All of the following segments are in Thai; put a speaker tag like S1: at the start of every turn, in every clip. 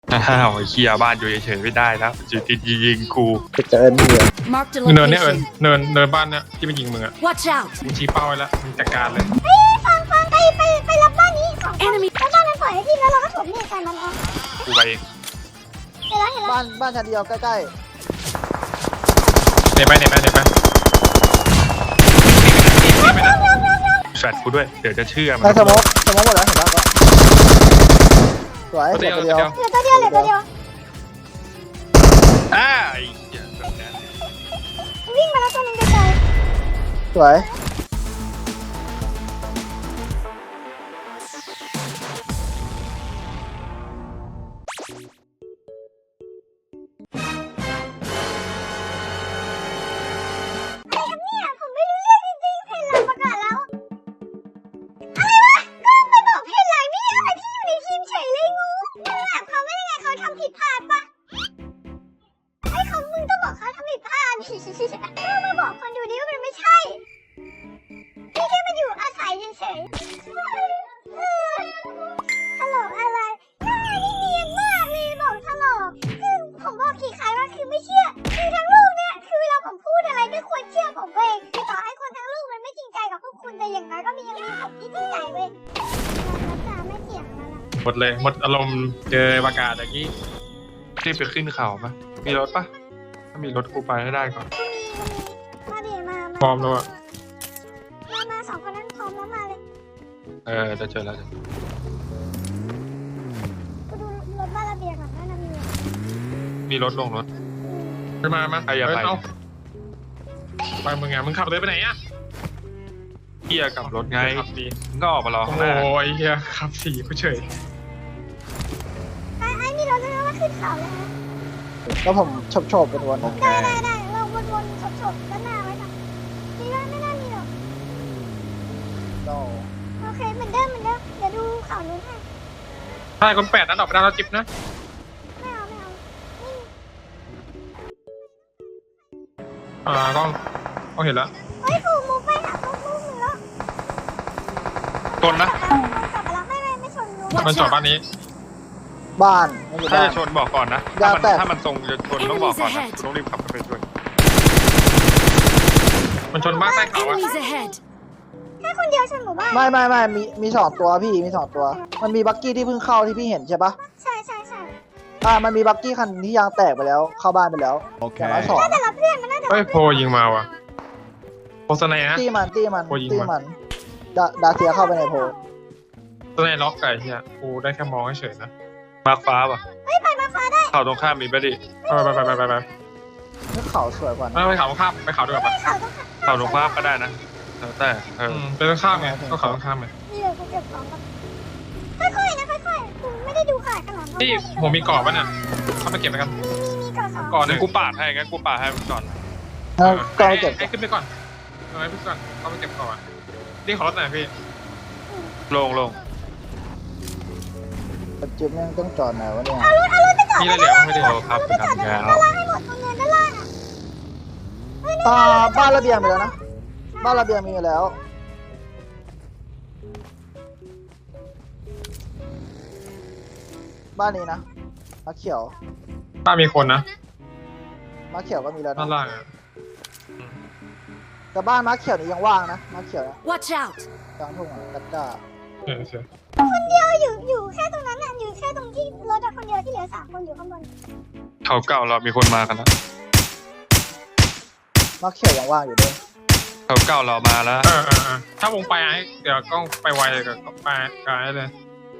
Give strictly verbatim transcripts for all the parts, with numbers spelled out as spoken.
S1: อ้าวเคลียร์บ้านอยู่เฉยๆไม่ได้นะจุดที่ยิงกู
S2: จะเจอนี่เลย
S3: Marked a
S4: เนินเนี่ยเอิญ
S3: location.
S4: เนินเนินบ้านเนี่ยที่มันยิงมึงอะ
S3: Watch out!
S4: มึงชี้เป้าไว้แล้วมึงจัดการเลย
S5: ฟังฟังไปไปไปรับบ้านนี้สองคนแล้วบ้านนั้นปล่อยให้พี่แล้วเราก็ถมเนี่ยกันมันเอา
S1: กูไปเอง
S5: เห็นแล้วเห็นแล้ว
S2: บ้านบ้านชั้นเดียวใกล้
S4: เน็ตไปเน็ตไปเน็ตไป
S1: แฟดกูด้วยเดี๋ยวจะเชื่อ
S2: ๆ
S1: มั
S2: ใน
S1: น
S2: สมองสมองหมดแล้วเห็นปะก็สวย
S4: ตัว
S2: เหลื
S4: เดี
S2: อ
S4: ยว
S2: ตัว
S4: ตัว
S2: เดียว
S4: เดียว
S5: เหลือตัวเดียวเหลือตัวเดียว
S1: อ้าไอ้เหี้ยแบบนั้น
S5: วิ่งมาแล้วตัวนึงไกล
S2: สวย
S5: ๆอะไรครับเนี่ยผมไม่รู้เรื่องจริงๆเพนหลังประกาศแล้วอะไรวะก็ไปบอกเพนหลังนี่อะไรพี่อยู่ในทีมเฉยเลยงูมึงถามเขาไม่ได้ไงเขาทำผิดพลาดปะไอ้เขามึงต้องบอกเขาทำผิดพลาดชิชิชิก็มาบอกคนดูดิว่ามันไม่ใช่พี่แค่มาอยู่อาศัยเฉยๆเออฮัลโหลอะไรหน้านี่เนียนมากเลยบอกตลอดคือผมบอกกี่ครั้งว่าคือไม่เชื่อคือทั้งลูกเนี่ยคือเวลาผมพูดอะไรไม่ควรเชื่อผมเว้ยคือต่อให้คนทั้งลูกมันไม่จริงใจกับพวกคุณแต่อย่างน้อยก็มียังมีผมที่จริงใจเว้ยแล้วจะไม่เถียงแล้วล่ะ
S4: หมดเลยหมดอารมณ์เจอประกาศอย่างนี้
S1: รีบไปขึ้นเขาปะมีรถปะถ้ามีรถกูไปให้ได้ก่อน
S5: มาดิมา
S4: พร้อ
S5: มาม
S4: แล้วอะ
S5: มามาสองคนนั้นพร้อมแล้วมาเลย
S1: เออจะเจอแล้ว
S5: กูดูรถบ้านระเบียงก่อนว่ามันมีอะไร
S1: มีรถลงรถ
S4: ไปมามา
S1: ไปอย่าไป
S4: เเอาไปมึงไงมึงขับเลยไปไหนอะ
S1: เฮียกับรถไง
S4: ขับดี
S1: มึงก็ออกมารอ
S4: โอ้
S1: ข้าง
S4: โห
S1: หน้า
S4: ไอ้เหี้ยขับสี่กูเฉย
S5: ไอ้ไอ้มีรถแล้วว่าขึ้นเขาแล้วนะ
S2: แล้วผมชบชบเป็นวน
S1: โอเค
S5: ได้ได้ได้เราวนๆฉบๆด้านหน้าไว้ก่อนมีว่าไม่น่ามีหรอก
S2: โน
S5: โอเคเหมือนเดิมเหมือนเดิมเดี๋ยวดูข่าวนู้นให้
S4: ถ้าคนแปดนั้นออกไปได้แล้วจิ๊บนะ
S5: ไม่เอาไม่เอานี่
S4: อ่ากล้องกล้องเห็นแล้ว
S5: เฮ้ยกูมูฟไปหาลูกลูกหนึ่งแล้ว
S1: ชนนะ
S5: กลับมาแล้วไม่ไม่ไม่ชนรู้
S4: มันจอดบ้านนี้
S2: บ้านไม่อยู่
S1: ถ้า
S2: บ้าน
S1: จะชนบอกก่อนนะ
S2: ยา
S1: ถ้ามัน
S2: แตก
S1: ถ้ามันตรงจะชนต้องบอกก่อนนะกูต้องรีบขับไปช่วย
S4: มันชนบ้านใต้เขาอะ
S3: Enemies ahead!
S5: แค่คนเดียวชนหมู่บ้าน
S2: ไม่ไม่ไม่มีมีสองตัวพี่มีสองตัว มันมีบักกี้ที่เพิ่งเข้าที่พี่เห็นใช่ปะ
S5: ใช่ใช่ใช่
S2: อ่ามันมีบักกี้คันที่ยางแตกไปแล้วเข้าบ้านไปแล้วอย่างน้อยสอง
S5: แต่ละเพื่อนมันน่าจะ
S4: เฮ้ยโพยิงมาว่ะโพสไนนะ
S2: ตี้มันตี้มัน
S4: โอ้ยิง
S2: ตี้
S4: ว่ะ
S2: มันดาดาเซียเข้าไปในโพล
S4: สไนล็อกไก่เฮียกูได้แค่มองเฉยๆนะ
S1: มาร์คฟ้าป่ะ
S5: เฮ้ยไปมาฟ้าได้
S1: เขาตรงข้ามมีปะดิ
S4: ไปไปไปไปไปไป
S2: นี่เขาสวยกว่า
S4: ไปไปเขาข้ามไปเขาด้วยปะ
S5: เขาต้อง
S1: เขาตรงข้ามก็ได้นะแล้วแต่เออ
S4: อืมเป็นข้ามไงก็เขาข้ามไง
S5: มีเหลือกูเก็บของก่อนค่อยๆนะค่อยๆกูไม่ได้ดูขาดขนาดนั้น
S4: พี่ผมมีกรอบป่ะเนี่ยเข้ามาเก็บไปกัน
S5: มีมีมีก่อสอง
S4: ก่อนห
S1: งั้
S4: นึ่
S1: น
S4: ง
S1: กูปาดให้งั้นกูปาดให้มึงก่อน
S2: เอาก็ไปเก็บ
S4: ให้ขึ้นไปก่อนเอาไว้ขึ้นก่อนเข้าไปเก็บก่อนนี่ขอรถหน่อยพี่
S1: ลงลง
S2: จิ๊บแม่งต้องจอดไหนวะเนี่ย
S5: เอารถเอารถไปจอด
S4: มีอะไรเหลือบ้างไม่ได้
S1: โอ้ครับคุณทำยาว
S5: ด้านล่างให้หมดตรงเนินด้านล่างอ่ะ
S2: อ่าบ้านระเบียงไปแล้วนะ บ้านระเบียงมีอยู่แล้ว บ้านนี้นะมาเขียว
S4: บ้านมีคนนะ
S2: มาเขียวก็มีแล้ว
S4: ด้าน
S2: นะ
S4: ล่างอะ
S2: แต่บ้านมาเขียวนี่ยังว่างนะมาเขียวนะ
S3: Watch out!
S2: กลางทุ่งอ่ะกัดก้า
S4: เออเสีย
S5: คนเดียวอยู่อยู่แค่ตรงนั้นน่ะอยู่แค่ตรงที่รถอะคนเดียวที่เหลือสามคนอยู่ข้างบน
S1: เขาเก่าเรามีคนมากันแล้ว
S2: มาเขียวยังว่างอยู่ด้วย
S1: เขาเก่าเรามาแล้ว
S4: เออเออเออถ้าวงไปไอ้เดี๋ยวกล้องไปไวเลยกับไปกับไอ้เลย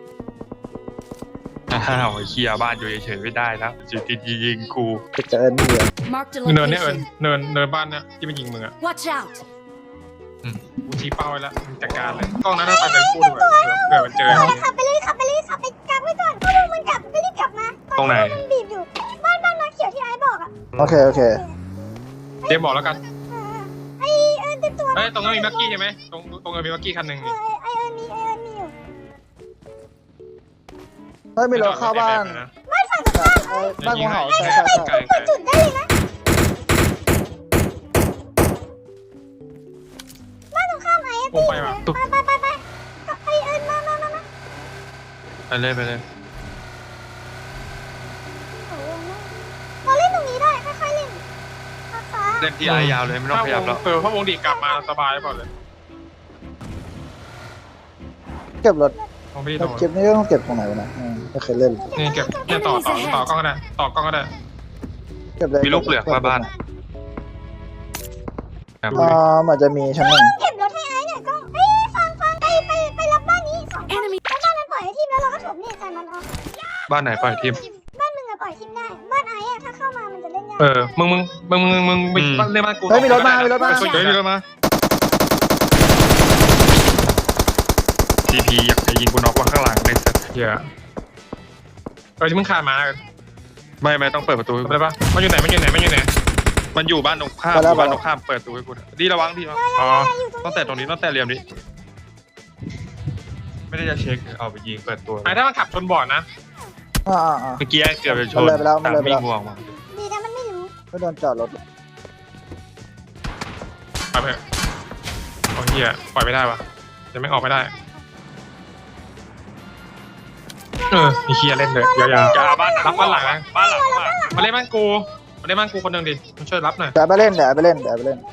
S1: อ้าวเคลียร์บ้านอยู่เฉยๆไม่ได้นะจุดที่ยิงกู
S2: จะเจอนี่เลย
S3: Marked a
S4: เนินเนี่ยเอิญ
S3: location.
S4: เนินเนินบ้านเนี่ยที่มันยิงมึงอะ
S3: Watch out!
S4: กูชี้เป้าไว้แล้วมึงจัดการเลยกล้องนั้นถ้าไปเป็นคู่ด้วยเผื่อมันเจอ
S5: ขับไปเลยขับไปเลยขับไปกลับไว้ก่อนพอลุงมันกลับก็รีบกลับมา
S1: ตรงไหน
S5: มันบีบอยู่บ้านบ้านมาเขียวที่ไอ้บอกอ่ะ
S2: โอเคโอเค
S4: เจมบอกแล้วกัน
S5: เออไอเอิญเต็มตัว
S4: เฮ้ยตรงนั้นมีมักกี้ใช่ไหมตรงตรงนั้นมีมักกี้คันหนึ่ง
S5: เอ
S4: นี่
S5: อไอเอิญมีไอเอิญมีอยู่
S2: เฮ้ยมีรถเข้าบ้าน
S5: บ้านฝั่งตรงข้าม
S2: เอ้ยบ้านงูเห่าใช่ใช่ใช่
S1: ไกล
S5: เปิดจุดได้เลยนะบ้านตรงข้ามไอ้
S4: วงไปว่ะ
S5: ไปไปไปไปกับไอเอิญมามามามา
S1: ไปเลยไปเลยเล่นที่ไอยาวเลยไม่ต้องขยับแล้ว
S4: เออเพราะวงดีกลับมาสบายเปล่าเลย
S2: เก็บรถ
S4: วงพี่โดน
S2: เก็บนี่ก็ต้องเก็บตรงไหนวะนะอืมไม่เคยเล่น
S4: นี่เก็บเนี่ยต่อต่อต่อกล้องก็ได้ต่อกล้องก็ได้
S2: เก็บเลย
S1: มีลูกเหลือกมาบ้านครับ
S2: อ่ามันจะมีชั้นหนึ่ง
S5: เก็บรถให้ไอ้หน่อยก็เฮ้ยฟังฟังไปไปไปรับบ้านนี้สองคนแล้วบ้านมันปล่อยให้ทีมแล้วเราก็ถมเนี่ยใส่มันออก
S1: บ้านไหนปล่อยทีม
S5: บ้านมึงอะปล่อยทีมได้บ้านไอ้อะถ้าเข้ามามันจะเล่นยาก
S4: เออมึงมึงมึงมึงมึงมึงเล่นบ้านกู
S2: เฮ้ยมีรถมามีรถมา
S4: เฮ้ยมีรถมา
S1: ทีพีอยากจะยิงกูน็อกว่าข้างหลังในสัตว์
S4: เหี้ยเออที่มึงขาดมา
S1: ไม่ไม่ต้องเปิดประตูให้กู
S4: ได้ปะมันอยู่ไหนมันอยู่ไหนมันอยู่ไหน
S1: มันอยู่บ้านตรงข้ามอยู่บ้านตรงข้ามเปิดประตูให้กูดีระวังดีระวัง
S4: อ๋อ
S1: ต้องแต่ตรงนี้ต้องแต่เหลี่ยมนี้ไม่ได้จะเช็คเอาไปยิงเปิดตัว
S4: ไอ้ถ้ามันขับชนบอร์ดนะ
S2: อ่าอ่าอ่า
S1: เมื่อกี้เกือบจะชน
S2: มันเลยไปแล้วมันเลยไปแล้ว
S1: ตาม่วงมา
S5: ดีนะมันไม่รู้
S2: ไม่โดนจอดรถ
S4: ไปเถอะโอ้เหี้ยปล่อยไม่ได้วะจะไม่ออกไม่ได้เออมีเคียเล่นเลยยาว
S1: จะเอาบ้าน
S4: ๆรับบ้านหลังนะ
S1: บ้านหลังบ้านหลัง
S4: มาเล่นบ้านกูมาเล่นบ้านกูคนหนึ่งดิมาช่วยรับหน่อย
S2: เดี๋ยวไปเล่นเดี๋ยวไปเล่นเดี๋ยวไปเล่น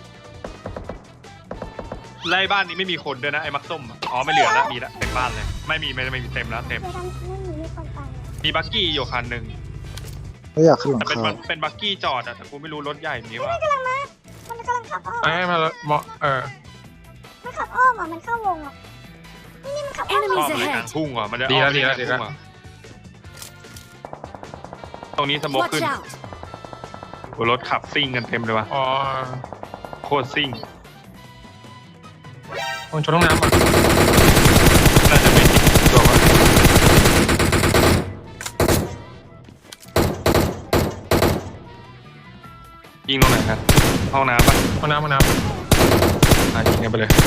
S1: ไล่บ้านนี้ไม่มีคนด้วยนะไอ้มักส้มอ๋อไม่เหลือแล้วมีแล้วเต็มบ้านเลยไม่มีไม่ไม่มีเต็มแล้วเต็ม
S5: เดี๋ยวทำไม่มีมีคนไป
S1: มีบักกี้อยู่คันหนึ่ง
S2: ไม่อยากขึ้นหลัง
S1: แต่เป็น
S2: คา
S1: มันเป็นบักกี้จอดอะแต่กูไม่รู้รถใหญ่มีว่า
S5: มันกำลังมามันกำลังขับอ้อม
S4: ไอ้มาเหมาะเออ
S5: มันขับอ้อมอ่ะมันเข้าวงอ่ะนี่นี่มันขับอ้อม
S1: ชอบเลยกลางทุ่งว่ะมันจะ
S4: ดีแล้ว
S1: อ้อม
S4: ดีแล้ว
S1: ไป
S4: ดีแล้ว
S1: กางทุ่งอะตรงนี้สโมก
S3: Watch
S1: ขึ้น
S3: out!
S1: โอ้รถขับซิ่งกันเต็มเลยว่ะ
S4: อ๋อ
S1: โคตรซิ่ง
S4: คนชนห้องน้ำอ่ะ
S1: น่าจะเป็นตัววะยิงตรงไหนครับห้องน้ำปะ
S4: ห้องน้ำห้องน้
S1: อ่ะยิงกันไปเลย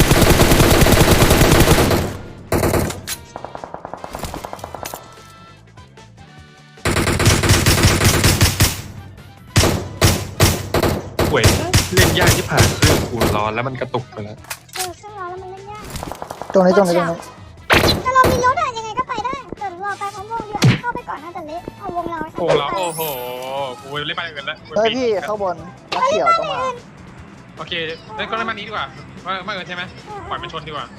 S1: เว้ยเล่นยากที่ผ่านเครื่องกูร้อนแล้วมันกระตุกไปแล้ว
S5: เออเครื่องร้อนแล้วมันเล่นยาก
S2: ตรงนี้ตรงนี้ตรงนี้
S5: แต่เรามีรถอะยังไงก็ไปได้แต่เราไปพร้อมวงดีกว่าเข้าไปก่อนน่าจะเละเอาวงเรา
S4: ำโอ้แล้วโอ้โหกูเล่นบ้านอื่นแล้ว
S2: เฮ้ยพี่ข้างบนนักเขียวต้องมา
S4: โอเคเล่นก็เล่นบ้านนี้ดีกว่าว่าบ้านอื่นใช่ไหมปล่อยมันชนดีกว่า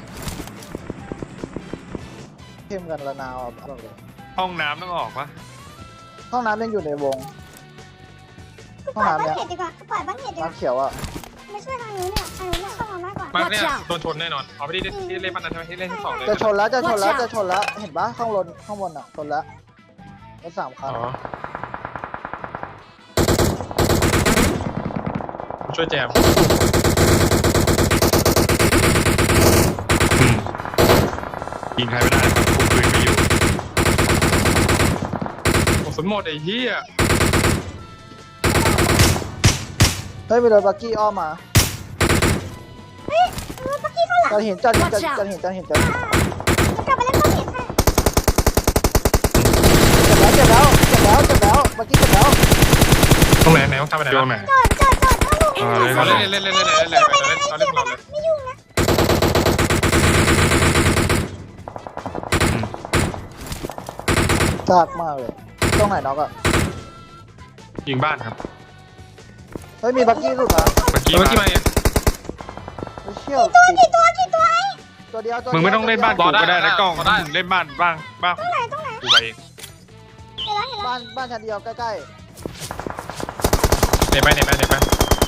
S2: เข้มกันละนาวอ่ะบอกเลย
S1: ห้องน้ำต้องออกปะ
S2: ห้องน้ำยังอยู่ในวง
S5: ปล่อยบ้านเห็ดดีกว่าปล่อยบ้านเห็ดดีก
S2: นั
S5: ว่าก
S2: เขียวอ่ะ
S5: ไม่ช่วยทางนู้นเนี่ยทางนู้นเนี่ยเข้ามามากกว่า
S4: บ้านเนี่ย
S3: Watch out
S4: โดนชนแน่นอนเอาไปที่ที่เล่นบ้านนั้นใช่ไหมที่เล่นที่สองเลย
S2: จะชนแล้วจะชนแล้ว
S3: Watch out
S2: จะชนแล้วเห็นปะข้างบนข้างบนอ่ะชนแล้วรถสามคั
S4: อ๋
S2: น
S4: อช่วยแจม
S1: อืมยิงใครไม่ได้ครับคุมปืนไม่อยู่
S4: โอ้สนหมดไอ้เหี้ย
S2: เฮ้ยมีรถบักกี้อ้อมมา
S5: เฮ้ยรถปักกี้ข้างหลัง
S2: จะเห็นจะเห็นจะ
S3: Watch out
S2: จะเห็นจะเห็นจะเห็น
S5: จะกลับไปเล่นบ้านเห็ดค่ะ
S2: เจ็บแล้วเจ็บแล้วเจ็บแล้วเจ็บแล้วบักกี้เจ็บแล้ว
S4: ตรงไหนไหนต้องทำไปไหน
S1: ช่วงไหน
S5: จอดจอดจอดเข้าลูก
S1: อ่า
S4: เราเล่นเล่นเล่นเล่นเล่นเล่นเล่นเล่นเราเล่นของเราเลย
S5: ไม่ยุ่งนะ
S2: ซากมากเลยตรงไหนน็อกอ่ะ
S1: ยิงบ้านครับ
S2: เฮ้ยมีบักกี้หลุดมา
S1: เมื่อกี้
S4: เมื่อกี้
S1: มา
S4: มาเนี่ย
S2: เฮ้ยเชี่ยว
S5: กี่ตัวกี่ตัวไอ้
S2: ตัวเดียวตัว
S1: มึงไม่ต้องเล่นบ้าน
S4: ร
S1: กู
S4: อได้
S1: ก็ได้นะกล้อง
S4: รอได้
S1: มึงเล่นบ้านบ้างบ้าง
S5: ตรงไหนตรงไหน
S1: กูไปเอง
S5: เห็นแล้วเห็นแล้ว
S2: บ้านบ้านชั้นเดียวใกล้
S4: เนี่ยไปเนี่ยไปเนี่ยไป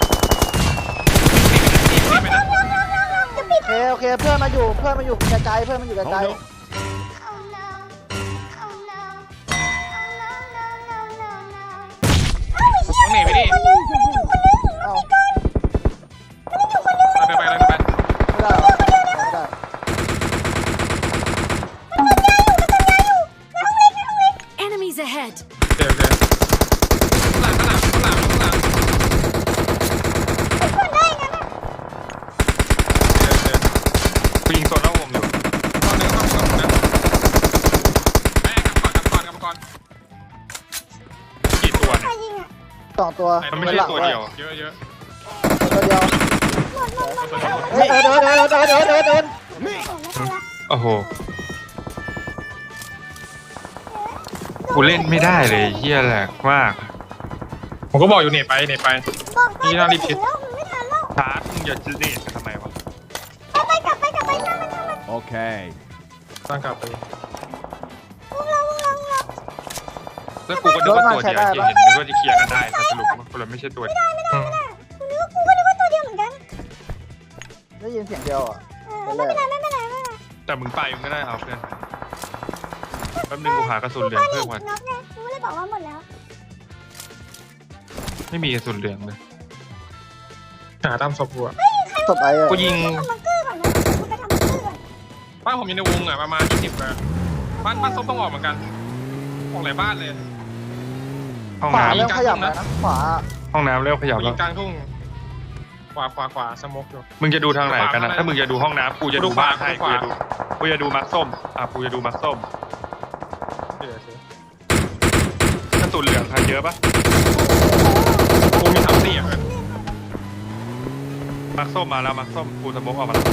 S2: ๆโอเคโอเคเพื่อนมาอยู่เพื่อนมาอยู่ไกลๆเพื่อนมาอยู่ไกล
S4: ต้องหนีไปดิ
S2: ๆเอ้า
S4: ไปไปไปไป
S2: ไม่ได้เหรอไม่ได้
S3: Enemies ahead!
S4: เดี๋ยวเดี๋ยวข้างหลังข้างหลังข้างหลังข้างหลังเดี๋ยวเดี๋ยว
S1: กูยิงโซนนอกวงอยู่
S4: ก่อนหนึ่งก่อนก่อนนะแม่กลับก่อนกลับก่อนกลับก่อน
S1: กี่ตัว
S5: ใคร
S1: เนี่ย
S5: ยิงอ่ะ
S2: สองตัว
S1: มันไม่ใช่ตัวเดียว
S4: เยอะเยอะ
S2: ตัวเดียว
S5: หมดหมดหมดหมดหมด
S2: เฮ้ยเดินเดินเดินเดินเดินเดิน
S5: ไม่ทันละ
S1: โอ้โหกูเล่นไม่ได้เลยเฮียแหลกมาก
S4: ผมก็บอกอยู่เนี่ยไปเนี่ยไป
S5: บอกไปถึงแล้ว
S1: ชาร์จมึงอย่าจืดเนี่ยทำไมวะ
S5: ไปไปกลับไปกลับไปช่างมันช่างมัน
S6: Okay.
S4: ตั้งกลับไป
S5: วงเราวงเราวงเรา
S1: แล้วกูก็นึกว่าตัวเดียวที่เห็นนึกว่าจะเคลียร์กันได้แต่สรุปมันคนละไม่ใช่ตัวเดียว
S4: อืม
S5: กูนึกว่ากูก็นึกว่าตัวเดียวเหมือนกัน
S2: ได้ยินเสียงเดียวอ่ะ
S5: เออไม่เป็นไรไม่เป็นไรไม่เป็นไร
S1: แต่มึงไปมึงก็ได้เอาเพื่อนแป๊บนึงกูหากระสุนเหลืองเพิ่มก่อน
S5: น็อกไงกูเลยบอกว่าหมดแล้ว
S1: ไม่มีกระสุนเหลืองเลย
S4: หาตามศพกูอะ
S2: ศพไอ้อะ
S1: กูยิง
S5: ทำบังเกอร์ก่อนนะกูไปทำบังเกอร์ก่อน
S4: บ้านผมอยู่ในวงอะประมาณยี่สิบอะบ้านบ้านส้มต้องออกเหมือนกันออกหลายบ้านเลย
S1: ห้อง
S2: ขวา
S1: น้
S2: เริ่มขยับแล้วนะขวา
S1: ำห้องน้ำเริ่มขยับ
S4: กู
S1: แล้
S4: ยิ
S1: ว
S4: งกลางทุ่งขวาขวาขวาสโมกอยู่
S1: มึงจะดูทางไหนกันนะถ้ามึงจะดูห้องน้ำกูจะดูบ้านให้
S4: ข
S1: กู
S4: วา
S1: จะดูกูจะดูมักส้มอ่ะกูจะดูมักส้ม
S4: เดี๋ยวสิ
S1: กระสุนเหลืองใครเยอะปะ
S4: กูมีสามสี่อะ
S1: มักส้มมาแล้วมักส้มกูสโมกออกมาแล้ว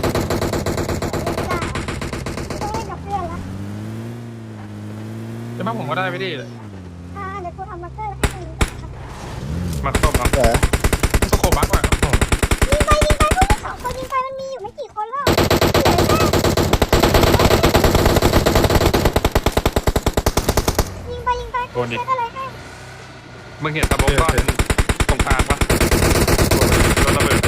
S5: ต้องเล่นกับเพื่อนละ
S4: แต่บ้านผมก็ได้ไม่ดี
S5: อ่าเดี๋ยวกูทำบังเกอร์แล้วให้มึง
S1: มักส้มเอา
S2: เดี๋ยว
S4: สโคบักว่ะ
S5: ยิงไปยิงไปพวกมึงสองคนยิงไปมันมีอยู่ไม่กี่คนแล้วเหลือแค่ยิงไปยิงไปแค่อะไรแค่
S1: มึงเห็นสโมกก้อนตรงกลางปะโดนระเบิด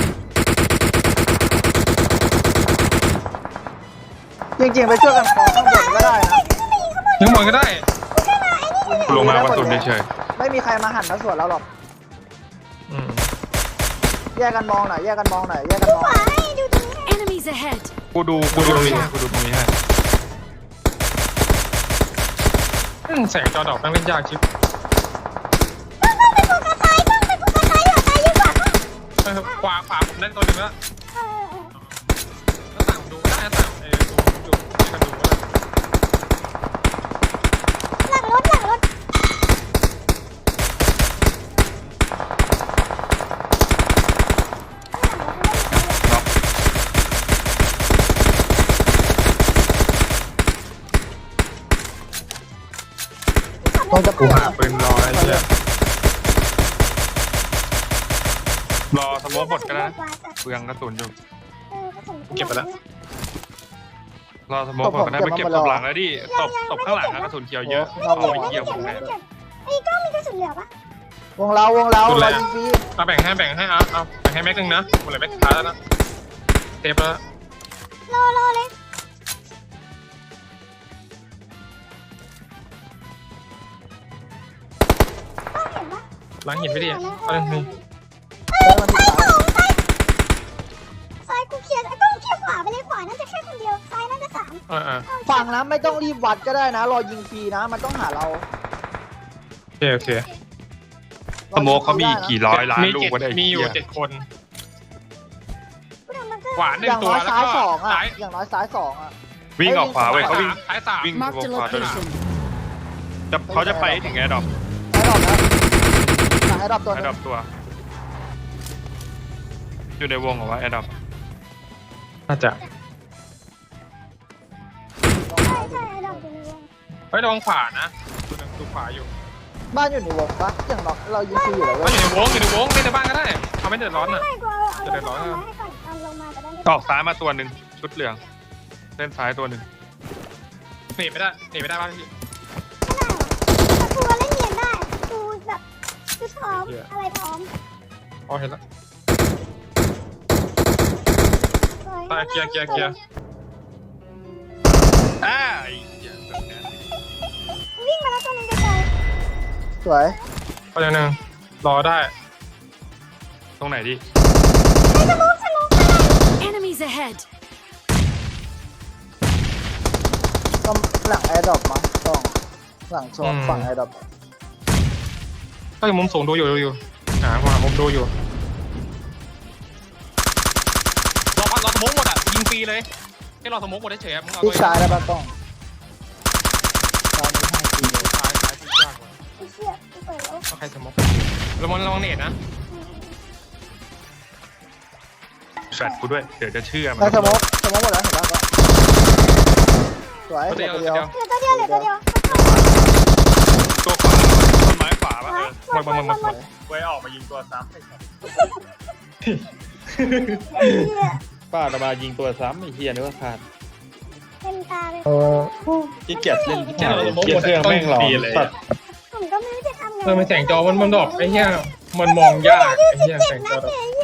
S2: จริงๆไปช่วยกันคอข้างบนก็ได้นะ
S4: ยิงบอลก็ได้
S1: กูลงมากระสุนเฉย
S2: ไม่มีใครมาหันมาสวนเราหรอก
S4: อืม
S2: แยกกันมองหน่อยแยกกันมองหน่อยแยกกันมอง
S5: ขวาให้ดูตรงนี้ให้
S3: Enemies ahead!
S1: กูดูกูดูตรงนี้ให้กูดูตรงนี้ให้
S4: อืมแสงจอดอกตั้งเล่นยากชิบ
S5: ต้องไปโฟกัสซ้ายต้องไปโฟกัสซ้ายเหรอซ้ายเยอะกว่าปะ
S4: เออขวาขวาผมได้ตัวหนึงแล้ว
S5: เออเออ
S4: หน้าต่างผมดูก็ได้หน้าต่างเออดูอยู่ในกระดูกก็ได้
S5: หลังรถหลังรถ
S2: ต้องจะ
S4: กู
S2: เปลี่ยน
S4: หาปืนรอไอ้เหี้ย
S1: รอสโมกหมดก็ได้นะเปลืองกระสุนอยู่
S5: เออกระสุน
S4: เก็บไปแล้ว
S1: รอสโมกหมดก็ได้ไปเก็บศพหลังแล้วดิศพศพข้างหลังอะกระสุนเขียวเยอะเอาไปเกี่ยวผมแน่
S5: ไอ้กล้องมีกระสุนเหลือปะ
S2: วงเราวงเราเรายิงฟรี
S4: เอาแบ่งให้แบ่งให้เอาเอาแบ่งให้แม็กนึงนะหมดเลยแม็กสุดท้ายแล้วนะเทปแล้ว
S5: รอรอเลยต้องเห็นปะ
S4: ล้างหินไม่ดีเอาเลยนี่
S2: แล้วมันติดตาย
S5: ซ้ายกูเคลียร์ไอ้ต้องเคลียร์ขวาไปเลยขวาน่าจะแค่คนเดียวซ้ายน่าจะสาม
S4: เออเออ
S2: ฝั่งนะไม่ต้องรีบวัดก็ได้นะ รอยิงฟรีนะ มันต้องหาเรา
S4: โอเคโอเค
S1: สโมกเขามีกี่ร้อยล้าน
S4: มี
S1: ลู
S4: เจ็
S1: ก
S4: ด
S1: ก็ได้
S4: มีอยู่เจ็ดคน
S5: กูทำบังเกอร์
S4: ขวาหนึ่
S2: อง ย่าง
S4: ตัว
S2: น้อย
S4: แล้ว
S2: ซ้าย
S4: ก็
S2: สองอ่ะ
S4: ซ้าย
S2: อย่างน้อยซ้ายสองอ่ะ
S1: วิ่งออกขวาเว้ยเขาวิ่ง
S4: ซ้ายสาม
S1: วิ่ง
S3: Marked a
S1: ขวาตัว
S3: location.
S1: จะเขาจะไปถึงแอร์ดรอป
S2: ไอ้ดรอปนะหลังไอ้ดรอปตัว
S1: แอ
S2: นึ
S1: ร์
S2: ง
S1: ดรอปตัว อยู่ในวงเหรอวะแอร์ดรอป
S4: น่าจะ
S5: ใช่ใช่ไอ้ดอกอยู่ในวง
S4: เฮ้ยระวังขวานะตัวหนึงดูขวาอยู่
S2: บ้านอยู่ในวงปะอย่างน้อยเรายิงฟรีอยู่แล้ว
S4: ก็
S2: เว้
S4: อย ยู่ในวงอยู่ในวงเล่นในบ้านก็ได้เขาไม่เดือดร้อนอ่ะ
S5: ไม่กูเอาเอา
S4: จะเดินร้อน
S5: เอา
S4: อะ
S5: ไว้ให้ก่อนเอาลงมาจะได้ไม่
S1: ออกซ้ายมาตัวหนึ่งชุดเหลืองเล่นซ้ายตัวหนึ่ง
S4: หนีไม่ได้หนีไม่ได้บ้านพี่
S5: ไม่ได้หรอกแต่กูเล่นเนียนได้กูแบบกูพร้อมอะไรพร้อม
S4: อ๋อเห็นแล้ว
S5: สวย
S4: ตายเคลียร์เคลียร์เคลียร์
S1: อ่าไอ้เหี้ยแบบเนี้ย
S5: วิ่งมาแล้วตัวนึงไกล
S2: สวย
S4: ก็ยังหนึ่งรอได้
S1: ตรงไหนดิ
S5: ๆไอ้สมุกสมุกอะไร
S3: Enemies ahead!
S2: ก็หลังไอ้ดรอปมาต้องหลังชนฝั่งไอ้ดรอป
S4: ก็อยู่มุมสูงดูอยู่ดูอยู่หาหามุมดูอยู่รอพัดรอสโมกหมดอ่ะยิงฟรีเลยแค่รอสโมกหมดเฉยๆมึงเอา
S2: ที่
S4: ตัว
S2: ซ้ายแล้วปะต้องซ้ายนี้ให้ฟรีเลย
S4: ซ้ายซ้ายที่ยากกว่า
S5: ไอ้เชี่ยกูเปิดแล้ว
S4: เอาใครสโมกระวังระวังเน็ตนะ
S1: แฟดกูด้วยเดี๋ยวจะเชื่อมั
S2: ไอ้สมองสมองหมดแล้วเห็นแล้วก็สวย
S4: ตัว
S2: เหลื
S4: เดี
S2: อ
S4: ยว
S2: ตัว
S4: ตัว
S2: เดียว
S4: เดียว
S5: เหลือตัวเดียวเหลือตัวเดียว
S1: ตัวขวาต้นไม้ขวาปะเออ
S5: หมดหมดหมดหมด
S1: ไว้ออกมายิงตัวซ้ำป้าตะบายิงตัวซ้ำไอ้เฮียนึกว่าขาด
S5: เต็มตาเลย
S2: เออ
S1: ที่เกียจเล่น
S4: เกียร์เครื่องแม่งหลอกสัตว์
S5: ผมก็ไม่รู้จะทำไง
S4: เออมันแสงจอมันมันดอกไอ้เหี้ยมันมองยากไอ้เหี้ยแสงจอดอก
S5: เฉย